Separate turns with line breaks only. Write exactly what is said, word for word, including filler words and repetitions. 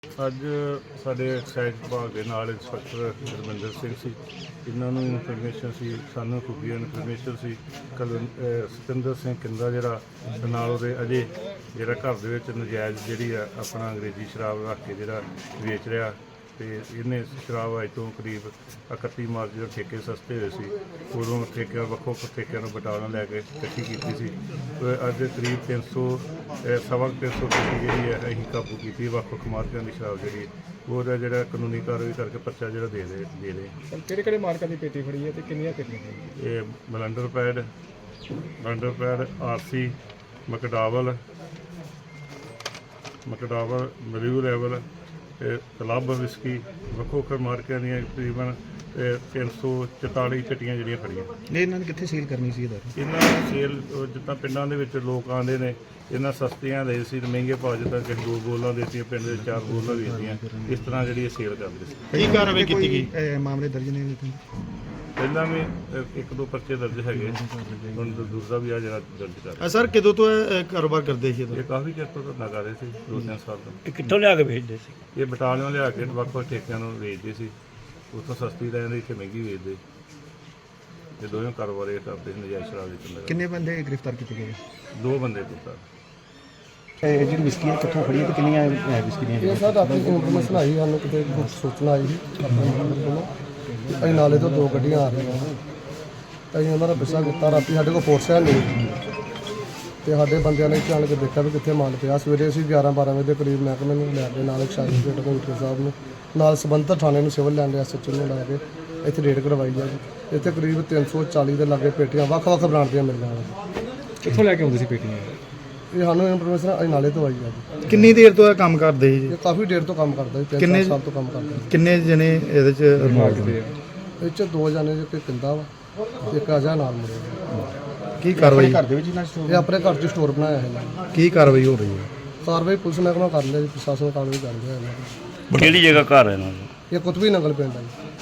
ਅੱਜ ਸਾਡੇ ਐਕਸਾਈਜ਼ ਵਿਭਾਗ ਦੇ ਨਾਲ ਇੰਸਪੈਕਟਰ ਗੁਰਮਿੰਦਰ ਸਿੰਘ ਸੀ। ਇਹਨਾਂ ਨੂੰ ਇਨਫੋਰਮੇਸ਼ਨ ਸੀ, ਸਾਨੂੰ ਖੁਫੀਆ ਇਨਫੋਰਮੇਸ਼ਨ ਸੀ ਕਲ ਸਤਿੰਦਰ ਸਿੰਘ ਕਿੰਦਾ ਜਿਹੜਾ ਤੇ ਨਾਲ ਉਹਦੇ ਅਜੇ ਜਿਹੜਾ ਘਰ ਦੇ ਵਿੱਚ ਨਜਾਇਜ਼ ਜਿਹੜੀ ਆ ਆਪਣਾ ਅੰਗਰੇਜ਼ੀ ਸ਼ਰਾਬ ਰੱਖ ਕੇ ਜਿਹੜਾ ਵੇਚ ਰਿਹਾ ਤੇ ਇਹਨੇ ਸ਼ਰਾਬ ਅੱਜ ਤੋਂ ਕਰੀਬ ਇਕੱਤੀ ਮਾਰਚ ਜਦੋਂ ਠੇਕੇ ਸਸਤੇ ਹੋਏ ਸੀ ਉਦੋਂ ਠੇਕਿਆਂ ਵੱਖੋ ਵੱਖ ਠੇਕਿਆਂ ਨੂੰ ਬਟਾਲਾ ਲੈ ਕੇ ਇਕੱਠੀ ਕੀਤੀ ਸੀ। ਅੱਜ ਕਰੀਬ ਤਿੰਨ ਸੌ ਸਵਾ ਤਿੰਨ ਸੌ ਪੇਟੀ ਜਿਹੜੀ ਹੈ ਅਸੀਂ ਕਾਬੂ ਕੀਤੀ ਵੱਖ ਵੱਖ ਮਾਰਕਿਆਂ ਦੀ ਸ਼ਰਾਬ ਜਿਹੜੀ ਉਹਦਾ ਜਿਹੜਾ ਕਾਨੂੰਨੀ ਕਾਰਵਾਈ ਕਰਕੇ ਪਰਚਾ ਜਿਹੜਾ ਦੇ ਦੇ ਦੇ ਰਹੇ।
ਕਿਹੜੇ ਕਿਹੜੇ ਮਾਰਕਾਂ ਦੀ ਪੇਟੀ ਫੜੀ ਹੈ ਤੇ ਕਿੰਨੀਆਂ ਪੇਟੀਆਂ ਫੜੀਆਂ?
ਇਹ blenders pride blenders pride RC McDowell's McDowell's ਮਰੀਊ ਲੈਵਲ ਕਲੱਬ ਵਿਸਕੀ ਵੱਖੋ ਵੱਖ ਮਾਰਕਿਆਂ ਦੀਆਂ ਤਕਰੀਬਨ ਤਿੰਨ ਸੌ ਚੁਤਾਲੀ ਪੇਟੀਆਂ ਜਿਹੜੀਆਂ ਫੜੀਆਂ।
ਨਹੀਂ, ਇਹਨਾਂ ਨੇ ਕਿੱਥੇ ਸੇਲ ਕਰਨੀ ਸੀ? ਇਹਦਾ
ਇਹਨਾਂ ਸੇਲ ਜਿੱਦਾਂ ਪਿੰਡਾਂ ਦੇ ਵਿੱਚ ਲੋਕ ਆਉਂਦੇ ਨੇ ਇਹਨਾਂ ਸਸਤੀਆਂ ਦੇ ਸੀ ਤੇ ਮਹਿੰਗੇ ਭਾਅ ਜਿੱਦਾਂ ਕਿ ਦੋ ਬੋਲਾਂ ਦੇਤੀਆਂ ਪਿੰਡ ਦੇ ਚਾਰ ਬੋਲਾਂ ਵੇਚਦੀਆਂ ਇਸ ਤਰ੍ਹਾਂ ਜਿਹੜੀ ਇਹ ਸੇਲ ਕਰਦੇ ਸੀ।
ਕੀ ਕਾਰਵਾਈ ਕੀਤੀ ਗਈ? ਮਾਮਲੇ ਦਰਜ ਨੇ
ਪਹਿਲਾਂ ਵੀ ਇੱਕ ਦੋ ਪਰਚੇ ਦਰਜ ਹੈਗੇ, ਹੁਣ ਦੂਸਰਾ ਵੀ ਆ ਜਿਹੜਾ ਦਰਜ ਕਰ ਰਿਹਾ।
ਸਰ ਕਦੋਂ ਤੋਂ ਇਹ ਕਾਰੋਬਾਰ ਕਰਦੇ ਸੀ?
ਇਹ ਕਾਫੀ ਚਿਰ ਤੋਂ ਧੰਦਾ ਕਰ ਰਹੇ ਸੀ, ਦੋ ਤਿੰਨ ਸਾਲ ਤੋਂ।
ਇਹ ਕਿੱਥੋਂ ਲਿਆ ਕੇ ਵੇਚਦੇ ਸੀ?
ਇਹ ਬਟਾਲਿਓਂ ਲਿਆ ਕੇ ਵੱਖ ਵੱਖ ਠੇਕਿਆਂ ਨੂੰ ਵੇਚਦੇ ਸੀ, ਉੱਥੋਂ ਸਸਤੀ ਲੈ ਜਾਂਦੇ ਇੱਥੇ ਮਹਿੰਗੀ ਵੇਚਦੇ। ਇਹ ਦੋਵੇਂ ਕਾਰੋਬਾਰ ਇਹ ਕਰਦੇ ਸੀ ਨਜਾਇਜ਼ ਸ਼ਰਾਬ ਵੇਚਣ ਦਾ।
ਕਿੰਨੇ ਬੰਦੇ ਗ੍ਰਿਫਤਾਰ ਕੀਤੇ ਗਏ?
ਦੋ ਬੰਦੇ ਦਿੱਤਾ।
ਇਹ ਜਿਹੜੀ ਵਿਸਕੀ ਹੈ ਕਿੱਥੋਂ ਫੜੀ ਤੇ ਕਿੰਨੀਆਂ ਵਿਸਕੀ ਦੀਆਂ?
ਇਹ ਸਰ ਰਾਤੀ ਇਨਫੋਰਮੇਸ਼ਨ ਆਈ ਸਾਨੂੰ, ਕਿਤੇ ਕੁਛ ਸੂਚਨਾ ਆਈ ਸੀ ਆਪਣੇ ਨੰਬਰ ਕੋਲੋਂ। ਅਸੀਂ ਨਾਲੇ ਤੋਂ ਦੋ ਗੱਡੀਆਂ ਆ ਰਹੀਆਂ ਅਸੀਂ ਉਹਨਾਂ ਦਾ ਪਿੱਛਾ ਕੀਤਾ। ਰਾਤੀ ਸਾਡੇ ਕੋਲ ਫੋਰਸ ਹੈ ਨਹੀਂ ਤੇ ਸਾਡੇ ਬੰਦਿਆਂ ਨੇ ਜਾਣ ਕੇ ਦੇਖਿਆ ਵੀ ਕਿੱਥੇ ਮਾਲ ਪਿਆ। ਸਵੇਰੇ ਅਸੀਂ ਗਿਆਰਾਂ ਬਾਰਾਂ ਵਜੇ ਦੇ ਕਰੀਬ ਮਹਿਕਮੇ ਨੂੰ ਲੈ ਕੇ ਨਾਲ ਐਕਸਾਈਜ਼ ਰੇਟ ਕਮਿਸ਼ਨਰ ਸਾਹਿਬ ਨੂੰ ਨਾਲ ਸੰਬੰਧਿਤ ਥਾਣੇ ਨੂੰ ਸਿਵਲ ਲੈਣ ਦੇ ਐਸ ਐਚ ਓ ਨੂੰ ਲੈ ਕੇ ਇੱਥੇ ਰੇਡ ਕਰਵਾਈ ਹੈ ਜੀ। ਇੱਥੇ ਕਰੀਬ ਤਿੰਨ ਸੌ ਚਾਲੀ ਦੇ ਲਾਗੇ ਪੇਟੀਆਂ ਵੱਖ ਵੱਖ ਬ੍ਰਾਂਡ ਦੀਆਂ ਮਿਲੀਆਂ ਨੇ।
ਕਿੱਥੋਂ ਲੈ ਕੇ ਆਉਂਦੇ ਸੀ ਪੇਟੀਆਂ?
ਇਹ ਸਾਨੂੰ ਇਨਫੋਰਮੇਸ਼ਨ ਅਸੀਂ ਨਾਲੇ ਤੋਂ ਆਈ ਹੈ ਜੀ।
ਕਿੰਨੀ ਦੇਰ ਤੋਂ ਇਹ ਕੰਮ ਕਰਦੇ ਸੀ?
ਇਹ ਕਾਫੀ ਦੇਰ ਤੋਂ ਕੰਮ ਕਰਦਾ ਜੀ, ਤਿੰਨ ਚਾਰ ਸਾਲ ਤੋਂ ਕੰਮ ਕਰਦਾ ਜੀ।
ਕਿੰਨੇ ਜਣੇ ਇਹਦੇ ਚ ਇਨਵੋਲਵ ਆ?
ਇਹ 'ਚ ਦੋ ਜਾਣੇ ਜੇ ਕੋਈ ਕਿੰਦਾ ਵਾ ਤੇ ਇੱਕ ਅਜਾ ਨਾਲ ਮੁੰਡੇ।
ਕੀ ਕਾਰਵਾਈ ਘਰ ਦੇ ਵਿੱਚ ਇਹਨਾਂ
ਇਹ ਆਪਣੇ ਘਰ 'ਚ ਸਟੋਰ ਬਣਾਇਆ ਹੈ ਇਹਨਾਂ ਨੇ।
ਕੀ ਕਾਰਵਾਈ ਹੋ ਰਹੀ ਹੈ?
ਕਾਰਵਾਈ ਪੁਲਿਸ ਮਹਿਕਮਾ ਕਰ ਲਿਆ ਜੀ, ਪ੍ਰਸ਼ਾਸਨ ਕਾਰਵਾਈ ਕਰ ਰਿਹਾ ਇਹਨਾਂ ਦੀ।
ਕਿਹੜੀ ਜਗ੍ਹਾ ਘਰ ਹੈ ਇਹਨਾਂ ਦਾ?
ਇਹ ਕੁਤਬੀ ਨੰਗਲ ਪਿੰਡ ਹੈ ਜੀ।